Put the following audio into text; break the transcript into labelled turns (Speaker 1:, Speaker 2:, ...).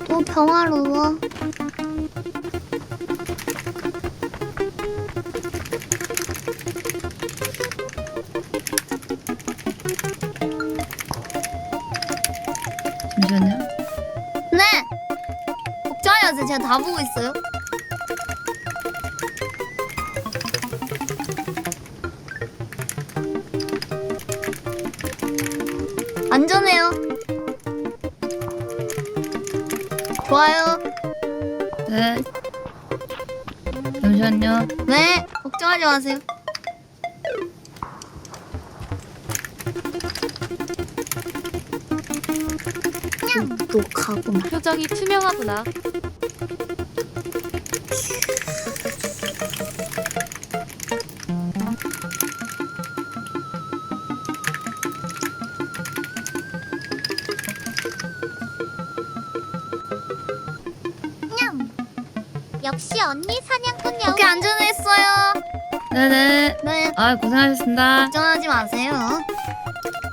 Speaker 1: 평화로워.
Speaker 2: 잠시만요.
Speaker 1: 네! 걱정하지 마세요. 제가 다 보고 있어요. 안전해요. 좋아요.
Speaker 2: 네. 잠시만요.
Speaker 1: 네, 걱정하지 마세요. 그냥 녹하구만.
Speaker 3: 표정이 투명하구나.
Speaker 4: 역시 언니 사냥꾼 여우.
Speaker 1: 오케이, 안전했어요.
Speaker 2: 네네.
Speaker 1: 네,
Speaker 2: 아, 고생하셨습니다.
Speaker 1: 걱정하지 마세요.